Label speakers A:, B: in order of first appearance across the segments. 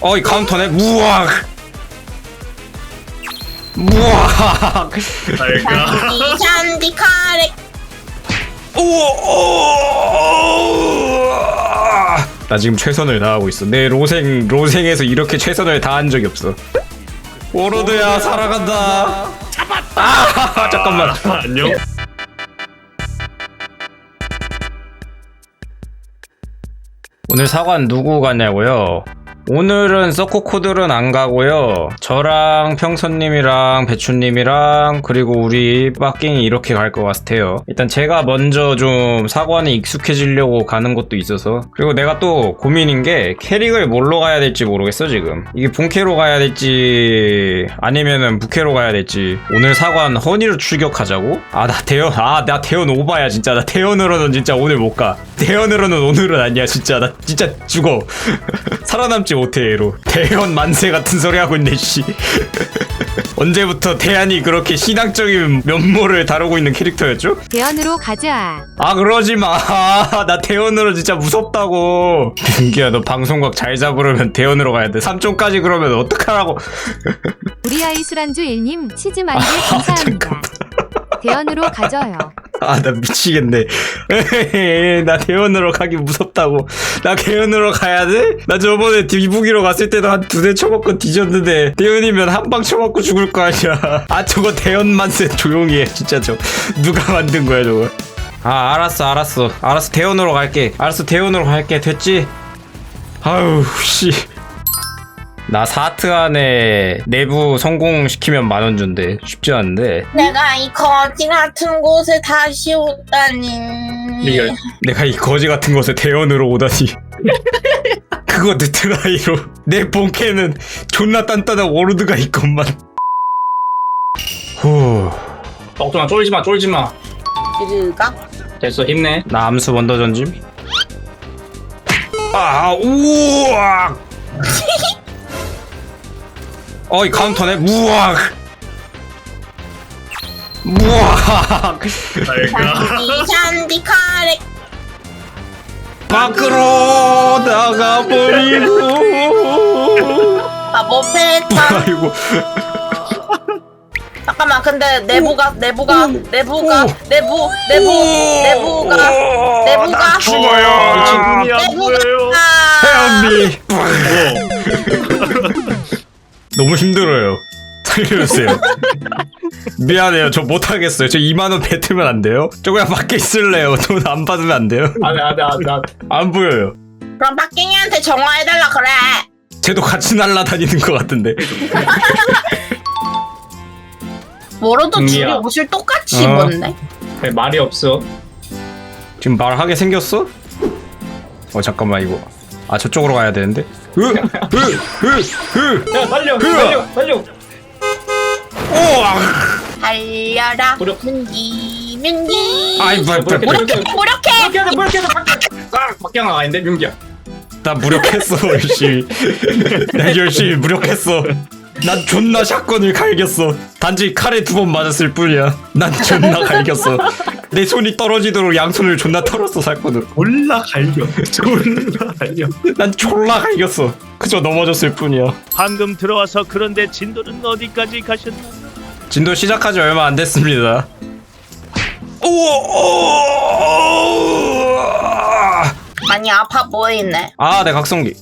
A: 어이 카운터네. 무악. 무악.
B: 잘가.
C: 샨디 카레.
A: 나 지금 최선을 다하고 있어. 내 로생에서 이렇게 최선을 다한 적이 없어. 오로드야 살아간다. 잡았다. 아 잠깐만.
B: 안녕.
A: 오늘 사관 누구 가냐고요? 오늘은 서코코들은 안 가고요. 저랑 평선님이랑 배추님이랑 그리고 우리 빠킹이 이렇게 갈 것 같아요. 일단 제가 먼저 좀 사관에 익숙해지려고 가는 것도 있어서, 그리고 내가 또 고민인 게 캐릭을 뭘로 가야 될지 모르겠어 지금. 이게 본캐로 가야 될지 아니면은 부캐로 가야 될지. 오늘 사관 허니로 출격하자고? 나 대현 오바야 진짜. 나 대현으로는 진짜 오늘 못 가. 대현으로는 오늘은 아니야 진짜. 나 진짜 죽어. 살아남지 못해 얘로. 대현 만세 같은 소리 하고 있네 씨. 언제부터 대한이 그렇게 신앙적인 면모를 다루고 있는 캐릭터였죠?
D: 대현으로 가자.
A: 아 그러지마. 나 대현으로 진짜 무섭다고. 윤기야 너 방송각 잘 잡으려면 대현으로 가야 돼. 3점까지 그러면 어떡하라고.
D: 우리 아이 술안주 1님 치즈 만개 감사합니다. 대현으로 가져요.
A: 아 나 미치겠네. 나 대현으로 가기 무섭다고. 나 대현으로 가야 돼? 나 저번에 디부기로 갔을 때도 한 2대 쳐먹고 뒤졌는데 대현이면 한 방 쳐먹고 죽을 거 아니야. 아 저거 대현 만세 조용히 해 진짜. 저 누가 만든 거야 저거. 아 알았어 대현으로 갈게. 대현으로 갈게. 됐지? 아유 씨. 나 4트 안에 내부 성공시키면 10,000원 준대. 쉽지 않은데.
C: 내가 이 거지 같은 곳에 다시 오다니.
A: 내가 이 거지 같은 곳에 대현으로 오다니. 그거 느트라이로. 내 본캐는 존나 단단한 워르드가 있건만. 후.
E: 걱정아 쫄지마
C: 그가?
E: 됐어 힘내.
A: 나 암수 먼저 던짐. 아 우악. 어이 카운터네. 무악.
B: 잘가.
C: 샨디 카레.
A: 밖으로 나가버리고.
C: 바보 패턴.
A: 아이고.
C: 잠깐만, 근데 내부가
A: 나 죽어요.
B: 눈이 안 보여요.
A: 혜연비. 너무 힘들어요. 살려주세요. 미안해요. 저 못하겠어요. 저 20,000원 뱉으면 안 돼요? 저 그냥 밖에 있을래요. 돈 안 받으면 안 돼요?
E: 안돼
A: 안 보여요.
C: 그럼 박갱이한테 전화해달라 그래.
A: 쟤도 같이 날라다니는 것 같은데.
C: 뭐로도 둘이
E: 은미야.
C: 옷을 똑같이 입었네.
E: 말이 없어.
A: 지금 말하게 생겼어? 잠깐만 이거. 아 저쪽으로 가야 되는데.
E: 야 달려.
C: 달려라.
E: 무력.
C: 민기.
A: 아이
E: 무력해.
C: 무력해.
E: 박경아 아닌데 윤기야.
A: 나 무력했어 열심히. 나 열심히 무력했어. 난 존나 샷건을 갈겼어. 단지 칼에 2번 맞았을 뿐이야. 난 존나 갈겼어. 내 손이 떨어지도록 양손을 존나 털었어 샷건으로.
B: 졸라 갈려.
A: 난 졸라 갈겼어. 그저 넘어졌을 뿐이야.
F: 방금 들어와서 그런데 진도는 어디까지 가셨나?
A: 진도 시작하지 얼마 안 됐습니다.
C: 많이 아파 보이네.
A: 아, 내 각성기.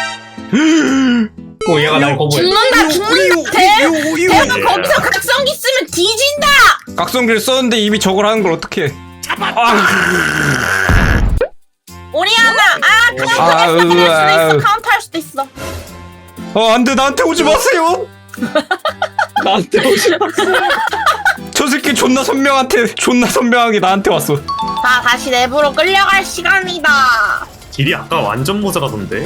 E: 오 얘가 날 거부해.
C: 죽는다. 대가 거기서 각성기 쓰면 뒤진다.
A: 각성기를 썼는데 이미 저걸 하는 걸 어떡해.
C: 오리아나. 그냥 카운터할 수도 있어.
A: 안 돼, 나한테 오지 마세요.
E: 나한테 오지 마.
A: 저 새끼 존나 선명하게 나한테 왔어.
C: 자, 다시 내부로 끌려갈 시간이다.
B: 길이 아까 완전 모자라던데.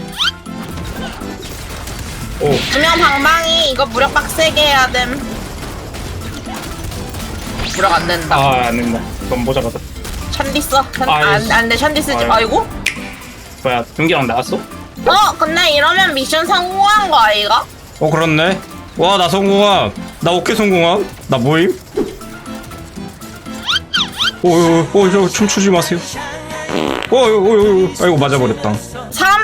C: 두명 방방이 이거 무력 빡세게 해야 됨. 무력 안 된다.
E: 안 된다. 그럼 모자 가자.
C: 샨디 써.
E: 아이씨.
C: 안 돼, 샨디 쓰지.
E: 아이고.
C: 아이고.
E: 뭐야 윤기랑 나왔어?
C: 근데 이러면 미션 성공한 거 아이가?
A: 그렇네. 와, 나 성공함. 나 어깨 성공함. 나 모임. 저 춤추지 마세요. 아이고 맞아버렸다.
C: 사람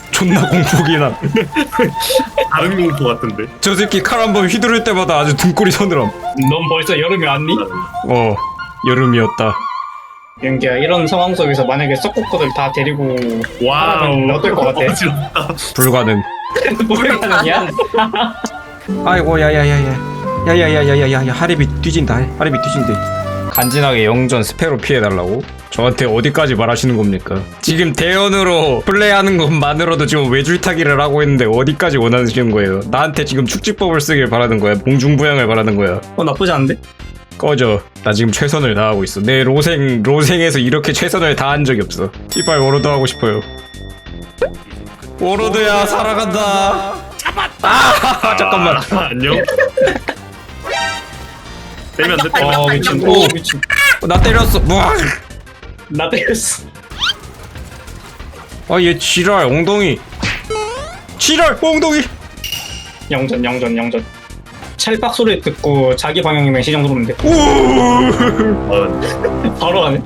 A: 존나 공포기나.
B: 다른 공포 같은데.
A: 저 새끼 칼 한 번 휘두를 때마다 아주 등골이 서늘함.
E: 넌 벌써 여름이 왔니?
A: 여름이었다.
E: 윤기야 이런 상황 속에서 만약에 서코코들 다 데리고
B: 와우.
E: 하라면 어떨 것 같아?
B: 어지럽다.
A: 불가능.
E: 모르겠느냐?
A: 아이고 야야야야야야야야야야 하리비 뒤진다. 하리비 뒤진대. 간지나게 영전 스페로 피해달라고? 저한테 어디까지 말하시는 겁니까? 지금 대연으로 플레이하는 것만으로도 지금 외줄타기를 하고 있는데 어디까지 원하시는 거예요? 나한테 지금 축지법을 쓰길 바라는 거야? 봉중부양을 바라는 거야?
E: 나쁘지 않은데?
A: 꺼져. 나 지금 최선을 다하고 있어. 내 로생에서 이렇게 최선을 다한 적이 없어. 씨발 워로드 하고 싶어요. 오로드야 살아간다. 아 잠깐만.
B: 안녕. 때리면 안 돼.
E: 어 미친. 오 미친.
A: 나 때렸어. 뭐?
E: 나 때렸어.
A: 아얘 지랄 엉덩이. 지랄 엉덩이.
E: 영전. 찰박 소리 듣고 자기 방향이면 시정 누르면 돼. 바로 가네.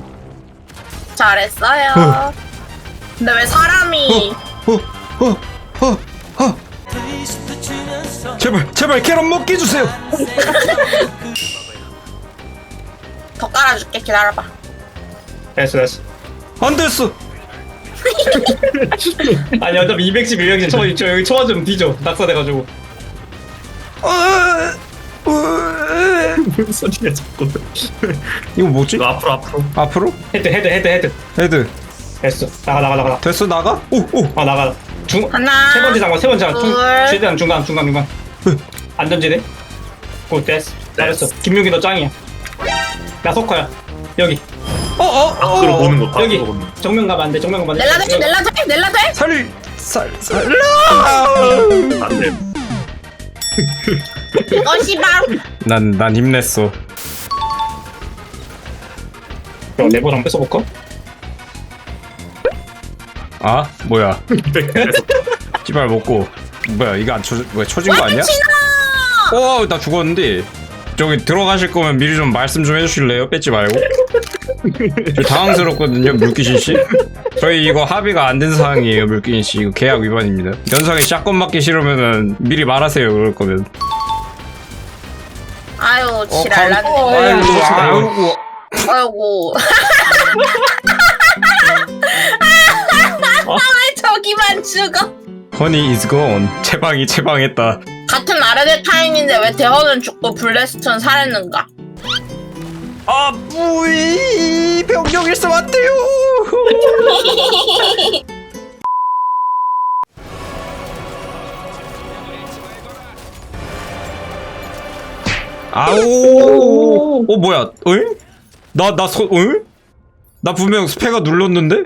C: 잘했어요. 근데 왜 사람이
A: 제발 캐럿 먹게 해주세요.
C: 더 깔아줄게. 기다려봐.
E: 됐어.
A: 안 됐어.
E: 아니 어차피 210, 210 저 여기 초반 좀 뒤져. 낙사돼가지고.
B: 무슨 소리야 자꾸.
A: 이거 뭐지?
B: 너 앞으로.
A: 앞으로?
E: 헤드.
A: 헤드.
E: 됐어. 나가.
A: 됐어 나가? 오.
E: 아 나가.
C: 하나,
E: 세 번째 장관.
C: 둘.
E: 최대한 중간. 안전지대. 오 됐어. 잘했어. 김용기 너 짱이야. 나 석화야. 여기.
B: 앞으로 보는 거.
E: 여기.
B: 앞으로 보는 거.
E: 정면 가면 안 돼.
C: 넬라 돼?
A: 살라.
B: 안 돼.
C: 이것이 바로
A: 난 힘냈어.
E: 그럼 레버 한번 뺏어볼까?
A: 아 뭐야? 씨발 먹고 뭐야 이거 안 쳐진 거 아니야?
C: 치나!
A: 나 죽었는데. 저기 들어가실 거면 미리 좀 말씀 좀 해주실래요? 뺏지 말고. 저 당황스럽거든요, 물귀신 씨. 저희 이거 합의가 안 된 사항이에요, 물귀신 씨. 이거 계약 위반입니다. 연상에 샷건 맞기 싫으면은 미리 말하세요, 그럴 거면.
C: 아유 지랄나네. 아이고. 왜 저기만 죽어?
A: 허니 is gone. 채방했다.
C: 같은 아르데타인인데 왜 대헌은 죽고 블레스턴 살았는가?
A: 아, 뿌이 병력 일삼 안 돼요. 아오. 뭐야? 응? 응? 나 분명 스페가 눌렀는데?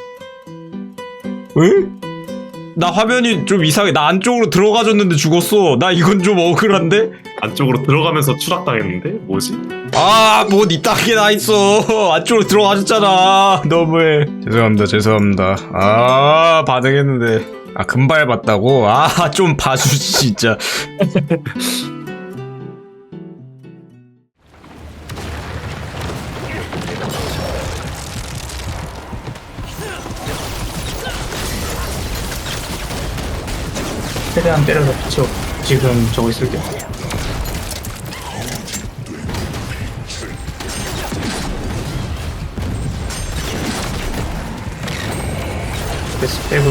A: 응? 나 화면이 좀 이상해. 나 안쪽으로 들어가줬는데 죽었어. 나 이건 좀 억울한데?
B: 안쪽으로 들어가면서 추락당했는데 뭐지?
A: 아, 뭐 니 땅에 나 있어. 안쪽으로 들어가셨잖아. 너무해. 죄송합니다. 아, 반응했는데. 아, 금발 봤다고? 아, 좀 봐주지 진짜.
E: 최대한 때려서 붙여. 지금 저거 있을게. 됐어. 빼고.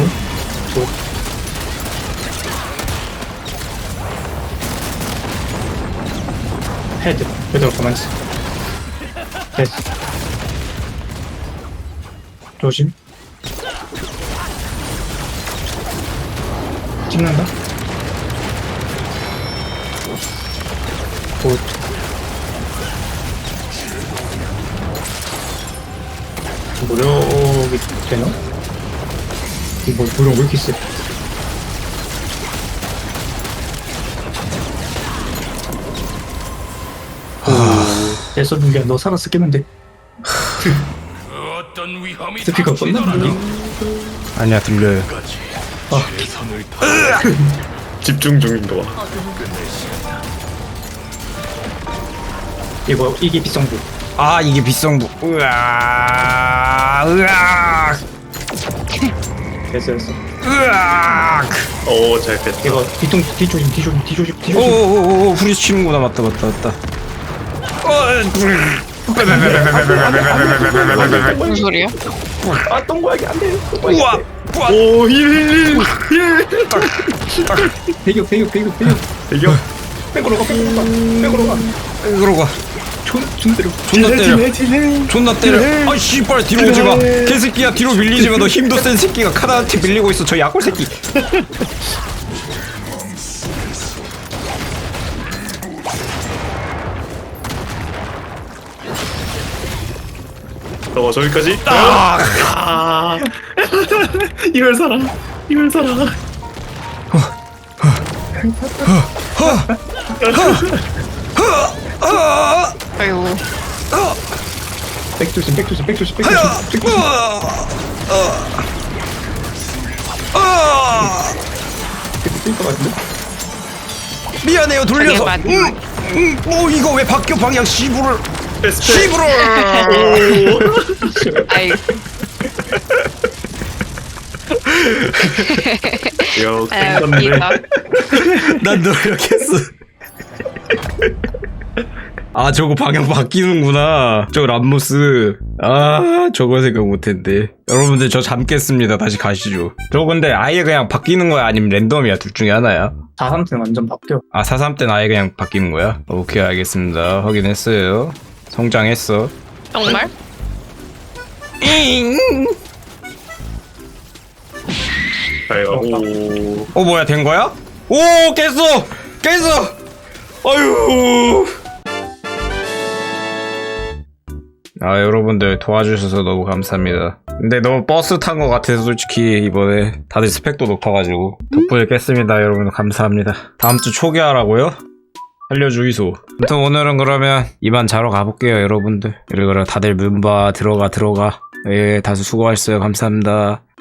E: 헤드. 헤드로 가만히 있어. 됐어. 조심. 찍는다. 굿. 무력이 되나? 이거 무력 왜 이렇게 세? 됐어, 민기야. 너 살아서 깨면 돼. 스피커 껐나?
A: 아니야, 들려요.
B: 집중 중인 거 봐.
E: 이게 비성부.
A: 아, 이게 비성부. 으악.
E: 됐어.
B: 잘 뺐다.
E: 이거 뒤조심.
A: 오오오오, 후리치는구나. 맞다.
C: 무슨 소리야?
E: 아, 똥고양이 안 돼.
A: 우와.
B: 오, 힐.
E: 배격.
B: 이겨.
E: 백으로 가.
A: 그러고 존나 때려. 아, 씨발, 뒤로 오지 마. 개새끼야, 뒤로 밀리지 마. 너 힘도 센 새끼가 카나한테 밀리고 있어. 저 약골 새끼.
B: 저기까지. 이걸 살아. 힘을 살아.
C: 아이고.
B: 백조심. 뛸것 같은데?
A: 미안해요 돌려서.
C: 저게
A: 이거 왜 바뀌어 방향 시부를.
B: 시부로.
C: 아이.
B: 요
C: 아유,
B: 땡겼네.
C: 웃기다.
A: 난 노력했어. 아 저거 방향 바뀌는구나. 저 람모스. 아 저거 생각 못했는데. 여러분들 저 잠겠습니다. 다시 가시죠. 저거 근데 아예 그냥 바뀌는 거야 아니면 랜덤이야? 둘 중에 하나야?
E: 4-3 완전 바뀌어.
A: 아 4-3 때는 아예 그냥 바뀌는 거야? 오케이 알겠습니다. 확인했어요. 성장했어.
C: 정말?
B: 아이고.
A: 뭐야 된 거야? 오 깼어! 아유. 아 여러분들 도와주셔서 너무 감사합니다. 근데 너무 버스 탄 것 같아서 솔직히 이번에 다들 스펙도 높아가지고 덕분에 깼습니다. 여러분 감사합니다. 다음 주 초기화라고요? 살려주이소. 아무튼 오늘은 그러면 이만 자러 가볼게요 여러분들. 그리고 다들 문바 들어가. 예 다들 수고하셨어요. 감사합니다.